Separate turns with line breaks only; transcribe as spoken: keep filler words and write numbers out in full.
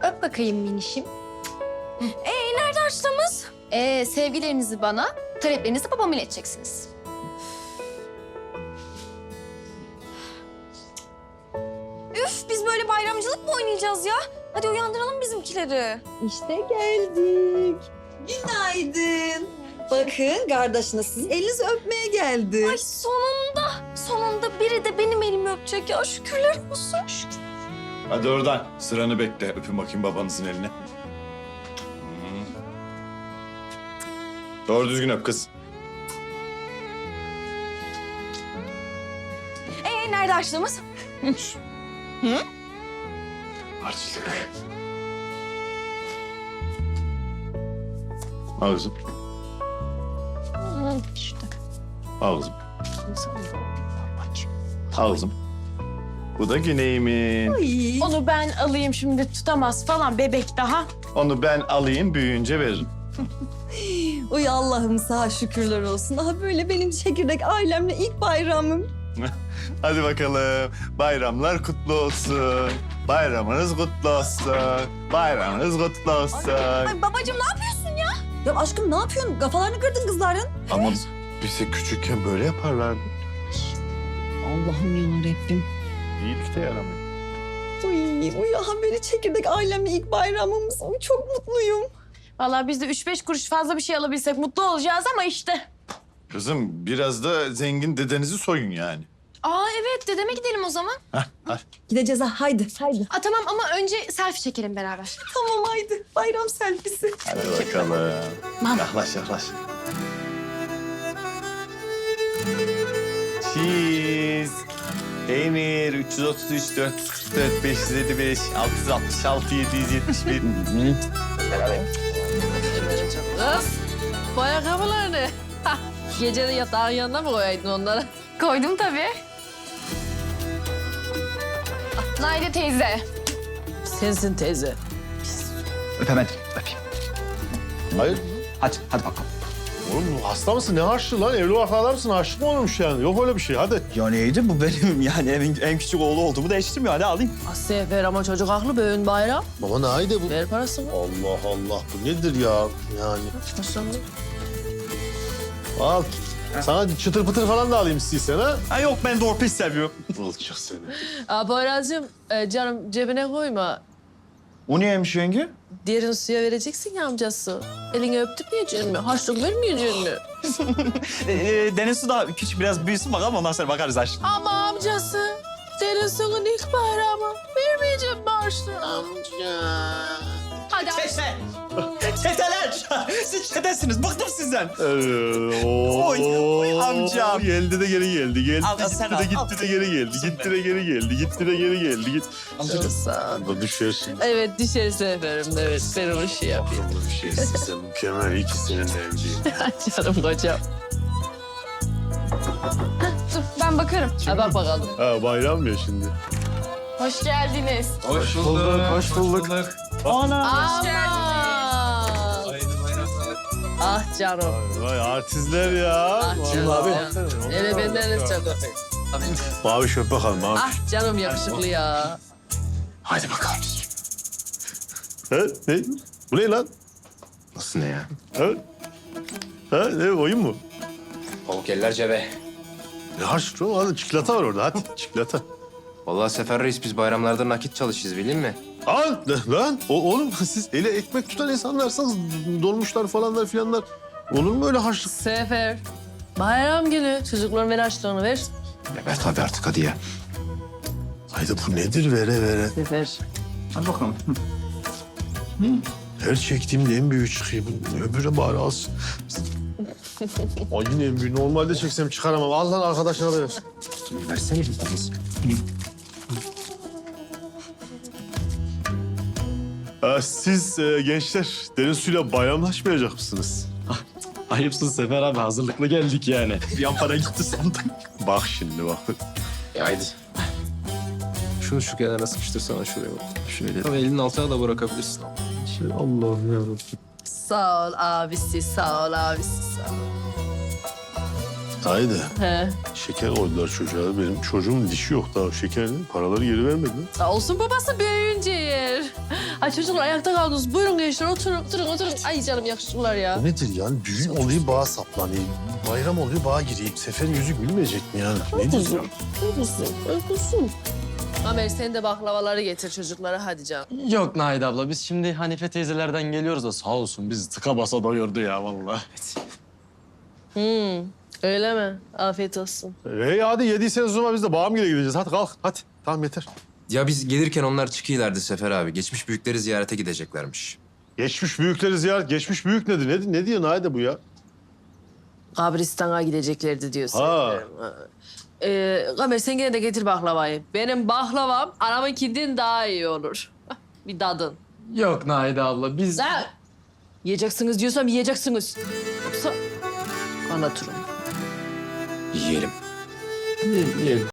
Öp bakayım minişim.
Ee nerede harçlığımız?
Ee, sevgilerinizi bana, taleplerinizi babama ileteceksiniz.
Üf biz böyle bayramcılık mı oynayacağız ya? Hadi uyandıralım bizimkileri.
İşte geldik. Günaydın. Bakın kardeşiniz sizin elinizi öpmeye geldi.
Ay sonunda, sonunda biri de benim elimi öpecek ya. Şükürler olsun.
Hadi oradan sıranı bekle. Öpün bakayım babanızın eline. Hmm. Doğru düzgün öp kız.
Ee nerede harçlığımız?
Harçlık. Al kızım. Al kızım. Al kızım. Bu da Güney'imin.
Ay.
Onu ben alayım şimdi tutamaz falan bebek daha.
Onu ben alayım büyüyünce veririm.
Uy Allah'ım sağ şükürler olsun. Aha böyle benim çekirdek ailemle ilk bayramım.
Hadi bakalım. Bayramlar kutlu olsun. Bayramınız kutlu olsun. Bayramınız kutlu olsun.
Ay babacığım ne yapıyorsun ya?
Ya aşkım ne yapıyorsun? Kafalarını kırdın kızların.
Ama bize küçükken böyle yaparlardı.
Allah'ım yarabbim.
İyilik de yaramıyor.
Uy, uy aha böyle çekirdek ailemle ilk bayramımız. Uy, çok mutluyum.
Vallahi biz de üç beş kuruş fazla bir şey alabilsek mutlu olacağız ama işte.
Kızım biraz da zengin dedenizi soyun yani.
Aa evet, dedeme gidelim o zaman.
Hah, hah.
Gideceğiz ha haydi haydi.
Aa, tamam ama önce selfie çekelim beraber.
Tamam haydi. Bayram selfisi.
Hadi bakalım. Yaklaş yaklaş. Cheese. Peynir üç yüz otuz üç, dört yüz kırk dört, beş yüz elli beş, altı yüz altmış altı, yedi yüz yetmiş bir.
Kız, bu ayakkabılar ne? Gece de yatağın yanına mı koyaydın onları?
Koydum tabii. Naide teyze.
Sensin teyze.
Öpemedim, öpeyim.
Hayır.
Hadi, hadi bakalım.
Oğlum hasta mısın? Ne harçlığı lan? Evli barklı adam mısın? Harçlık mı olmuş yani? Yok öyle bir şey. Hadi.
Ya neydi bu benim yani evin en küçük oğlu olduğumu değiştirdim ya. Hadi alayım.
Asiye ver ama çocuk haklı bugün bayram.
Baba ne aydı bu?
Ver parasını.
Allah Allah. Bu nedir ya? Yani.
Parasını.
Al. Sana çıtır pıtır falan da alayım istiyorsan ha.
Ha yok ben dorpis seviyorum.
Olacak seni.
Aa, Poyraz'cığım e, canım cebine koyma.
O neymiş yenge?
Diğerini suya vereceksin ya amcası. Elini öptürmeyeceksin mi? Harçlık vermeyeceksin mi?
Ee, e, deniz su da küçük biraz büyüsün bakalım ondan sonra bakarız aşkım.
Ama amcası. Senin sonun ilk bayramı. Vermeyeceğim mi harçlığı amca? Hadi
Çete! Çeteler! Siz çetesiniz. Bıktım sizden.
Ee, oo,
Oy, oy amcam.
Geldi de geri geldi. Geldi
Al,
de
sen
gitti
al,
de gitti
al.
de geri geldi. Gitti de geri geldi. Gitti de geri geldi. Git.
Çok sağ ol.
Da düşersin.
Evet dışarı seferim evet. Ben onu şey yapayım.
Abla bir şeysin sen. Mükemmel. İyi ki seninle evliyim.
Canım kocam.
Dur ben bakarım.
Ha, bak bakalım.
Ha bayram ya şimdi.
Hoş geldiniz.
Hoş bulduk,
hoş bulduk.
Ana.
Aman. Ah canım.
Vay artistler ya.
Ah
Vallahi
canım.
abi.
Hele benden çok.
Mavi şöp bakalım mavi.
Ah canım yakışıklı ya.
Hadi bakalım.
Ha, ne? Bu ne lan?
Nasıl ne ya?
Ha? Ha, ne oyun mu?
Pamuk eller cebe.
Ne harçlık oğlum? Hadi çikolata var orada. Hadi çikolata.
Vallahi Sefer Reis biz bayramlarda nakit çalışırız bilin mi?
Al lan. O, oğlum siz ele ekmek tutan insanlarsınız. Dolmuşlar falanlar filanlar. Olur mu öyle harçlık?
Sefer. Bayram günü çocukların ver açlığını ver.
Ya ver tabii artık hadi ya.
Haydi bu nedir vere vere?
Sefer.
Hadi bakalım.
Her çektiğimde en büyüğü çıkıyor. Bu öbürü bari alsın. Ay yine en büyüğü. Normalde çeksem çıkaramam. Al lan arkadaşına da ver.
Versene bir tanesi.
Ee, siz e, gençler derin suyla bayramlaşmayacak mısınız?
Ayıpsın Sefer abi. Hazırlıklı geldik yani. Bir an para gitti sandım.
Bak şimdi bak.
Ya haydi. Şunu şu kenara sıkıştırsana şuraya bak. Şöyle. Ama elinin altına da bırakabilirsin.
Şey, Allah'ım yarabbim.
Sağ ol abisi, sağ ol abisi, sağ ol.
Haydi.
He.
Şeker koydular çocuğa. Benim çocuğumun dişi yok daha. Şekerin paraları geri vermedi.
Sağ olsun babası büyüyünce yer. Ay çocuklar ayakta kaldınız. Buyurun gençler oturun oturun oturun. Ay canım yakışıklılar ya.
Bu nedir yani? Düğün oluyor bağa saplanayım. Bayram oluyor bağa gireyim. Seferin yüzü gülmeyecek mi yani? Nedir ya?
Uykusun, uykusun. Amer sen de baklavaları getir çocuklara hadi canım.
Yok Nahide abla biz şimdi Hanife teyzelerden geliyoruz da sağ olsun bizi tıka basa doyurdu ya vallahi.
Hmm, öyle mi? Afiyet olsun.
Hey hadi yediyseniz o zaman biz de bağımgile gideceğiz. Hadi kalk hadi. Tamam yeter.
Ya biz gelirken onlar çıkıyorlardı Sefer abi. Geçmiş büyükleri ziyarete gideceklermiş.
Geçmiş büyükleri ziyaret. Geçmiş büyük nedir? Ne, ne diyor Nahide bu ya?
Kabristan'a gideceklerdi diyorsun.
Ha.
Ee, Kamer sen gene de getir baklavayı. Benim baklavam anamınkinden daha iyi olur. Bir dadın.
Yok Nahide abla biz...
Lan! Yiyeceksiniz diyorsam yiyeceksiniz. Yoksa anlatırım.
Yiyelim.
Yiyelim.